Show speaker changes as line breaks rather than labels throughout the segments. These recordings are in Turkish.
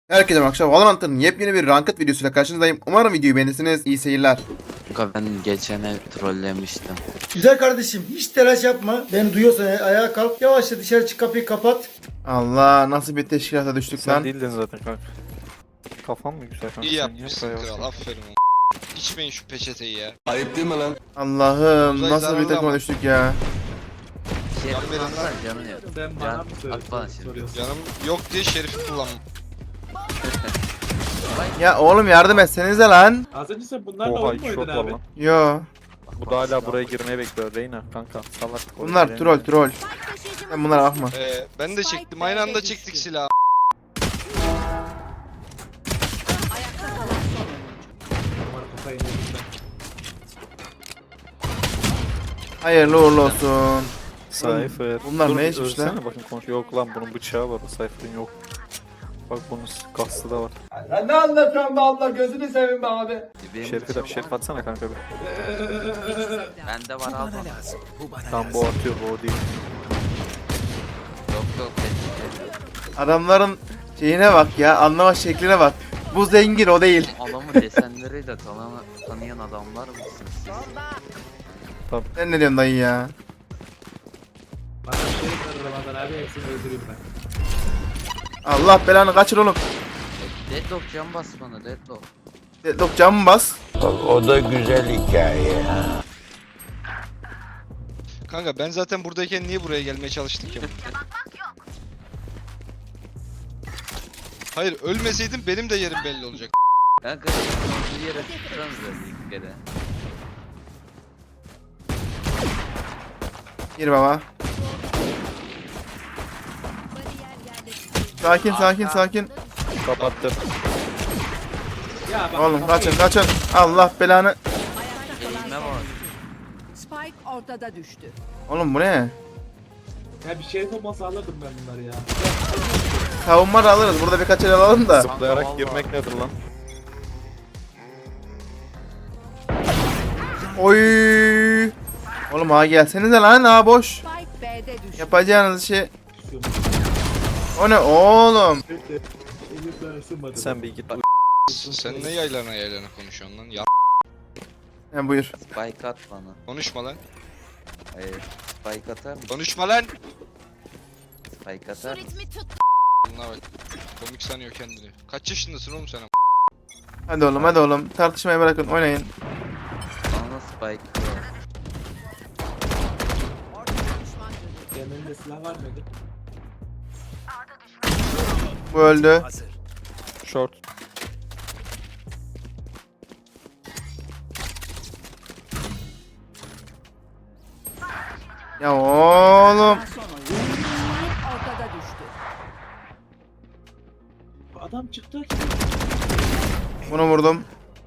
Herkese akşam Valorant'ın yepyeni bir ranked videosuyla karşınızdayım. Umarım videoyu beğenirsiniz. İyi seyirler.
Kanka ben geçen ev trollemiştim.
Güzel kardeşim hiç telaş yapma. Beni duyuyorsan ayağa kalk. Yavaşça dışarı çık, kapıyı kapat.
Allah, nasıl bir teşkilata düştük
Sen
lan.
değildin zaten kanka. Kafan mı güzel kanka?
İyi
Sen
yapmışsın
yap
kral,
ya.
aferin oğlum. İçmeyin şu peçeteyi ya.
Allah'ım,
Uzay
nasıl bir
zararlı
takıma
ama.
düştük ya.
Şey
Can verin
yapmazsan
lan.
canın yok.
Sen
Can,
bana mı
at bana şimdi.
soruyorsun?
Canım yok diye şerifi kullanma.
Ya oğlum yardım etsenize lan.
Az önce sen bunlarla
Oha
oyun
iki
mu
shot
oynadın
var
abi?
lan.
Yo.
Bu da hala buraya girmeye bekliyor Reyna kanka. Salak.
Bunlar troll. Sen bunlara bakma.
Ben de çektim, aynı anda çektik silahı.
Var kafayı yedim ben.
Hayırlı uğurlu olsun.
Cypher.
Bunlar
Dur,
ne içmiş lan?
ölsene bakın konuş. Yok lan bunun bıçağı var. Cypher'ın yok. Bak bunun kastı da var.
Ne anlatıyorsun be abla, gözünü seveyim be abi.
Şerif atsana kanka bir.
Bende var al bana.
Tam bu atıyor bu değil.
Yok teşekkür
Adamların şeyine bak ya, anlama şekline bak. Bu zengin, o değil.
Adamı desenleriyle tanıyan adamlar mısınız siz?
Sen ne diyorsun dayı ya?
Bana bir şey var Ramazan abi, hepsini öldüreyim ben.
Allah belanı kaçır oğlum.
Deadlock can bas bana Deadlock.
Deadlock camı bas.
Kanka ben zaten buradayken niye buraya gelmeye çalıştık ya? Hayır, ölmeseydim benim de yerim belli olacak.
Kanka bir yere tutsanız da bir kere.
Gir baba. Sakin.
Kapattı.
Ya bak,
Oğlum
kafayı
kaçın. Allah belanı.
Elime var.
Spike ortada düştü.
Oğlum bu ne?
Ya bir şerif olmasa alırdım ben bunları ya.
Savunma da alırız. Burada birkaç el alalım da.
Zıplayarak
vallahi.
girmek nedir lan?
Oy. Oğlum ha gelsenize lan, ha boş.
Spike B'de düştü.
Yapacağınız şey. O ne oğlum?
Elimden ısınmadı.
Sen bir git.
Sen ne yaylana konuşuyorsun lan? Ya
He buyur.
Spike at bana.
konuşma lan.
Hayır. Spike atar mı?
Konuşma lan.
Spike atar mı?
Bunlar bak. Komik sanıyor kendini. Kaç yaşındasın oğlum sen?
Hadi oğlum. Tartışmayı bırakın, oynayın.
Bana Spike var.
Yanında silah var mıydı?
Bu öldü.
Short.
Ya oğlum.
Son oyun. Spike ortada düştü.
Adam çıktı.
Bunu vurdum.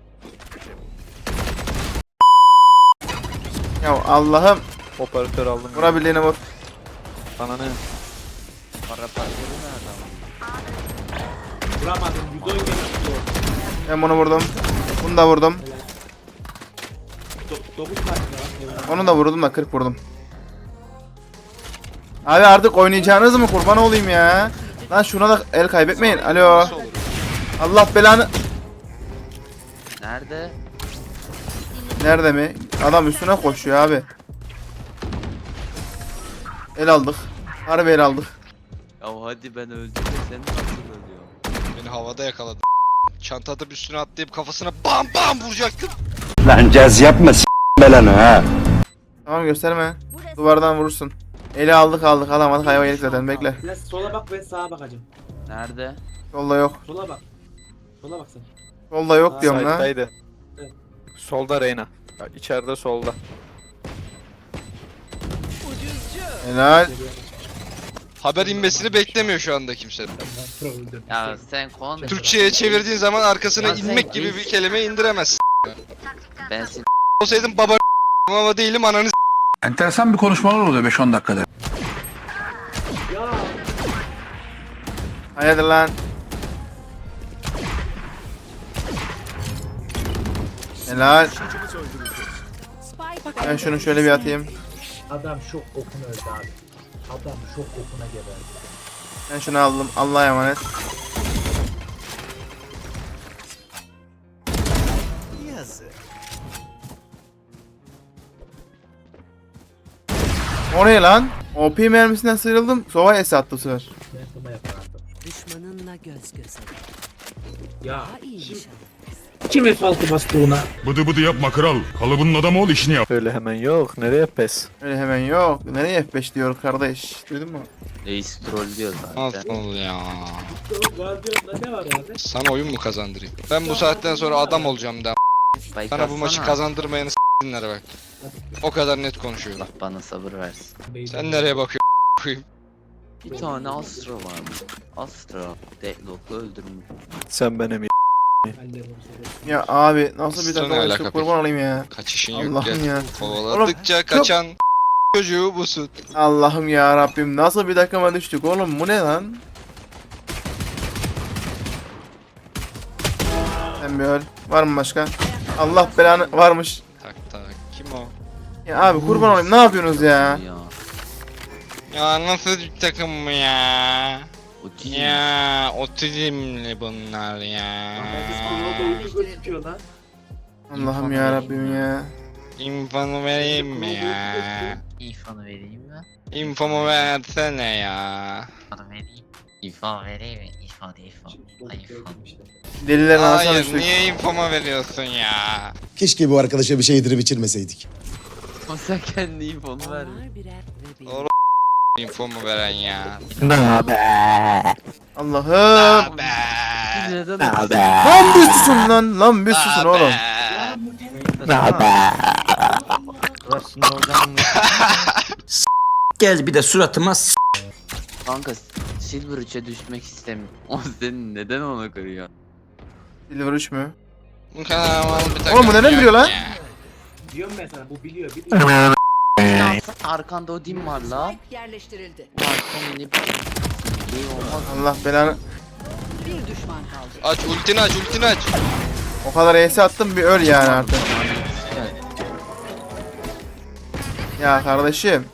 Ya Allah'ım.
Operatör aldım.
Vurabildiğini vur.
Sana ne?
Para parçalı ne adam?
Vuramadım. 110 kere tutuyor.
Ben bunu vurdum. Bunu da vurdum.
9 tane var.
Onu da vurdum da 40 vurdum. Abi artık oynayacağınız mı, kurban olayım ya. Lan şuna da el kaybetmeyin. Alo.
Nasıl olur?
Allah belanı.
Nerede?
Nerede mi? Adam üstüne koşuyor abi. El aldık. Harbi el aldık.
Ya hadi ben öldüm de sen nasıl ölüyorsun?
Beni havada yakaladı. Çanta atıp üstüne atlayıp kafasına bam bam vuracaktım.
Lan caz yapma belanı ha.
Tamam, gösterme. Duvardan vurursun. Eli aldık alamadık, hayvan yedik zaten, bekle.
Biraz sola bak, ben sağa bakacağım.
Nerede?
Solda yok.
Sola bak. Sola bak sen.
Solda yok diyorum lan.
Side'daydı.
Evet.
Solda Reyna. Ya, İçeride solda.
Helal.
Haber inmesini beklemiyor şu anda kimse.
Ben öldüm.
Ya sen konuş.
Türkçe'ye çevirdiğin zaman arkasına
Ya sen
inmek gibi bir kelime indiremezsin.
Ben seni
Olsaydım baba ama değilim ananı
Enteresan bir konuşmalar oluyor 5-10 dakikada.
Ya
Hayırdır lan. Helal.
Spike
Ben şunu şöyle bir atayım.
adam şok okuna öldü abi. Adam şok okuna geberdi.
Ben şunu aldım. Allah'a emanet. O ne lan? OP mermisinden sıyrıldım. Sova S attı bu sefer.
Ben kuma yapardım.
Düşmanınla göz göze.
Ya
Daha iyi
şimdi
nişan.
kim F6 bastı ona?
Bıdı bıdı yapma kral. Kalıbının adamı ol işini yap.
Öyle hemen yok. Nereye pes?
Öyle hemen yok. Nereye F5 diyor kardeş? Duydun mu?
Reis troll diyor zaten.
Nasıl ya?
Guardiola'da ne var abi?
Sana oyun mu kazandırayım? Ben bu saatten sonra adam olacağım da.
Spike
Sana bu maçı
atsana.
kazandırmayanı s**dinlere bak. O kadar net konuşuyor.
Allah bana sabır versin.
Sen nereye bakıyorsun? koyayım?
Bir tane Astra varmış. Astra. Deadlock'u öldürmüş.
Sen benim
Ya abi nasıl bir
Sana
takım
alaka
çok
peki?
kurban olayım ya.
Kaçışın yok
Allah'ım
gel.
ya.
Kovaladıkça
Oğlum,
kaçan çocuğu busun.
Allah'ım ya Rabbim nasıl bir takıma düştük oğlum bu ne lan? Sen bir öl. Var mı başka? Allah belanı varmış.
Tak tak. Kim o?
Ya abi kurban olayım ne yapıyorsunuz ya?
Ya.
Ya nasıl bir takım bu ya?
O değil.
Ya otizmli bunlar ya.
Gözüküyor lan.
Allah'ım ya Rabbim ya.
İnfomu vereyim mi ya?
İfanı vereyim mi?
İnfomu versene ya.
İfanı vereyim. İfan vereyim mi? İfan ifan. Ay ifan.
Delilerin arasına
Hayır
düştük.
niye infomu veriyorsun ya?
Keşke bu arkadaşa bir şey yedirip içirmeseydik.
O sen kendi ifonu ver.
Onlar birer ve bir.
Doğru. İnfomu veren ya.
Allah'ım.
Be.
Biz neden
Lan bir susun lan. Lan bir susun oğlum.
Gel bir de suratıma
Kanka Silver 3'e düşmek istemiyorum. O senin neden ona kırıyor?
Silver 3 mü?
Bu kadar mal bir takım
Oğlum bu neden
yok
biliyor lan?
ya.
Diyorum ben sana bu biliyor.
Arkanda o dim var la.
Spike yerleştirildi.
Arkanda ne şey olmaz.
Allah belanı.
Bir düşman kaldı.
Aç ultini aç ultini aç.
O kadar ES attım bir öl yani artık. Ya kardeşim.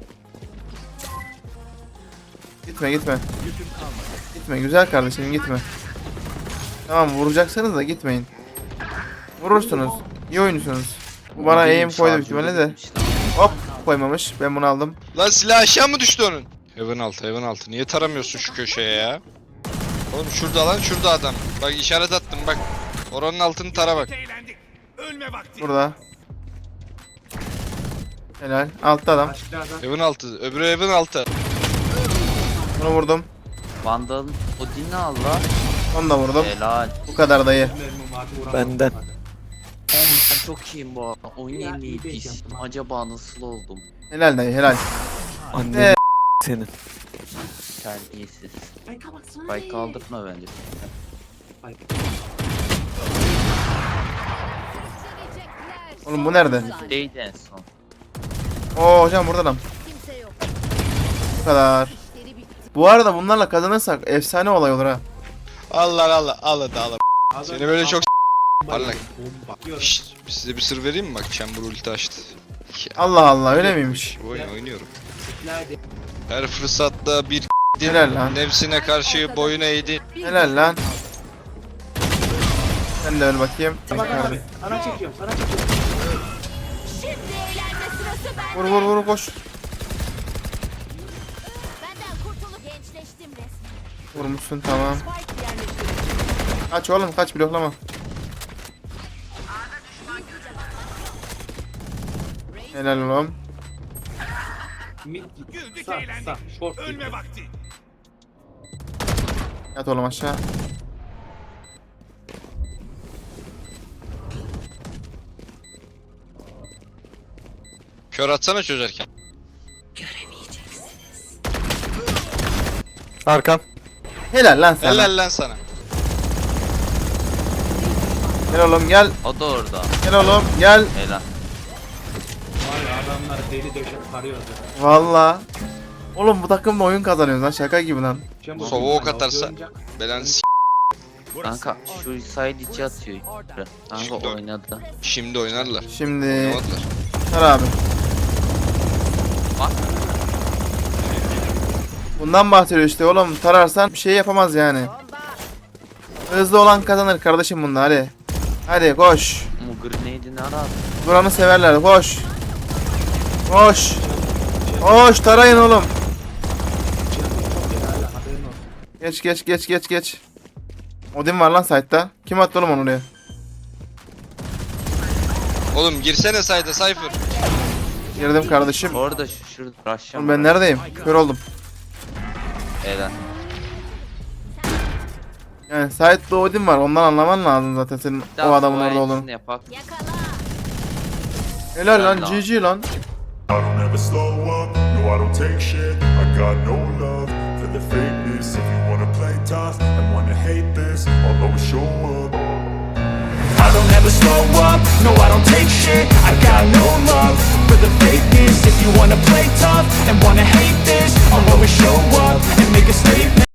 Gitme gitme. Gitme güzel kardeşim gitme. Tamam vuracaksanız da gitmeyin. Vurursunuz. İyi oynuyorsunuz. Bu bana aim koydu büyük ihtimalle de. Hop koymamış. Ben bunu aldım.
Lan silah aşağı mı düştü onun? Heaven altı heaven altı. Niye taramıyorsun şu köşeye ya? Oğlum şurada lan şurada adam. Bak işaret attım bak. Oranın altını tara bak.
Burada. Helal. Altta adam.
Başka adam.
Heaven altı. Öbürü heaven altı.
Bunu vurdum.
Vandal'ın o dini al la.
Onu da vurdum.
Helal.
Bu kadar dayı.
Mermim vardı, vuramadım.
Benden.
Oğlum ben çok iyiyim bu arada. Oyun
Ya,
en iyi
iyi
piş.
diyeceğim.
Acaba nasıl oldum?
Helal dayı helal.
Annen senin.
Terbiyesiz. Spike kaldırma bence.
Oğlum bu nerede?
Değdi en son.
Oo hocam burada adam.
Kimse yok.
Bu kadar.
İşleri bitti.
Bu arada bunlarla kazanırsak efsane olay olur ha.
Allah Allah al hadi al.
Adam-
Seni böyle çok parlak.
Bomba. Diyorum.
Şşt, size bir sır vereyim mi? Bak Chamber ulti açtı. Ya,
Allah Allah öyle miymiş?
bu oyun oynuyorum.
Nerede?
Her fırsatta bir
Helal lan.
nefsine karşı boyun eğdi.
Bir
Helal lan. Sen de öl bakayım.
Bak abi. Sana çekiyorum sana çekiyorum.
Şimdi eğlenme sırası bende.
Vur vur vur koş.
Benden kurtulup gençleştim resmen.
Vurmuşsun tamam.
Spike yerleştirildi.
Kaç oğlum kaç bloklama. Helal oğlum.
Mid sağ short. Ölme bak.
Yat oğlum aşağı.
Kör atsana çözerken.
Arkan.
Helal lan sana.
Helal lan sana.
Gel oğlum gel.
O da orada.
Gel oğlum gel.
Helal.
Var ya adamlar deli döşek parıyordu.
Valla. Oğlum bu takımla oyun kazanıyoruz lan şaka gibi lan.
Sova ok atarsa belanı s**.
Kanka şu side içi atıyor. Kanka
Şimdi-
oynadı.
Şimdi oynarlar.
Şimdi
Oynamadılar.
Sar abi.
Bak.
Bundan bahsediyor işte oğlum tararsan bir şey yapamaz yani. Hızlı olan kazanır kardeşim bunda hadi. Hadi koş.
Ama grenade'i ne ara?
Buranı severler. Koş. Koş. Koş tarayın oğlum. Geç. Odin var lan site'da. Kim attı oğlum onu oraya?
Oğlum girsene sayda Cypher.
Girdim kardeşim.
Orada şurada rush'ım.
Oğlum ben neredeyim? Kör oldum.
Eden.
Yani site'da Odin var. Ondan anlaman lazım zaten senin o adamın orada olduğunu.
Yapak.
Yakala.
Helal lan
Helal lan.
GG lan.
I don't ever slow up, no I don't take shit. I got no love for the fakeness. If you wanna play tough and wanna hate this, I'll always show up. I don't ever slow up, no I don't take shit. I got no love for the fakeness. If you wanna play tough and wanna hate this, I'll always show up and make a statement.